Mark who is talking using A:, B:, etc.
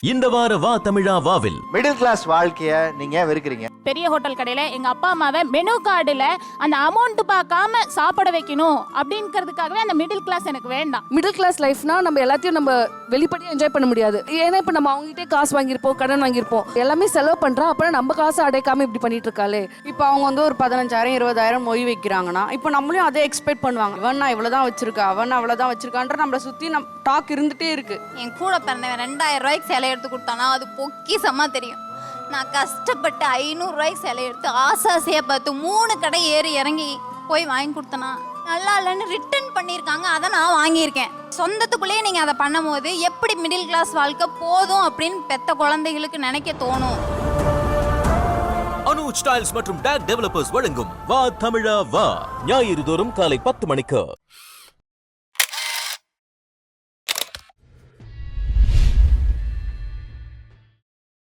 A: இந்த வார வா தமிழா வாவில்
B: மிடில் கிளாஸ் வாழ்க்கைய நீங்க வெறுக்கிறீங்க.
C: பெரிய ஹோட்டல் கடையில எங்க அப்பா அம்மாவை மெனு கார்டுல அந்த அமௌண்ட் பார்க்காம சாப்பிட வைக்கணும் அப்படிங்கிறதுக்காகவே அந்த மிடில் கிளாஸ் எனக்கு வேண்டாம்.
D: மிடில் கிளாஸ் லைஃப்னா நம்ம எல்லாத்தையும் நம்ம வெளிப்படையா என்ஜாய் பண்ண முடியாது. ஏன்னா இப்ப நம்ம அவங்ககிட்டே காசு வாங்கியிருப்போம், கடன் வாங்கியிருப்போம், எல்லாமே செலவு பண்றோம். அப்புறம் நம்ம காசு அடைக்காம இப்படி பண்ணிட்டு இருக்காளே.
E: இப்போ அவங்க வந்து ஒரு 15,000 20,000 மொய் வைக்கிறாங்கன்னா இப்போ நம்மளையும் அதே எக்ஸ்பெக்ட் பண்ணுவாங்க. இவன் இவ்வளவுதான் வச்சிருக்கா, அவன் அவ்வளவுதான் வச்சிருக்கான்ற நம்மளை சுத்தி டாக் இருந்துட்டே இருக்கு.
F: என் கூட பிறந்தவன் 2,000 ரூபாய்க்கு சேலை எடுத்து கொடுத்தானா அது பொக்கிசமா தெரியும். நான் கஷ்டப்பட்டு 500 ரூபாய்க்கு சேலை எடுத்து ஆசாசையா பார்த்து 3 கடை ஏறி இறங்கி போய் வாங்கி கொடுத்தனா நல்லா இல்லைன்னு ரிட்டர்ன் பண்ணியிருக்காங்க. அதை நான் வாங்கியிருக்கேன். சொந்தத்துக்குள்ளேயே நீங்கள் அதை பண்ணும் போது எப்படி மிடில் கிளாஸ் வாழ்க்கை போதும் அப்படின்னு பெத்த குழந்தைகளுக்கு நினைக்க தோணும்.
A: அனுஜ் டைல்ஸ் மற்றும் டேக் டெவலப்பர்ஸ் வழங்கும் வா தமிழா வா ஞாயிறு தோறும் காலை 10 மணிக்கு.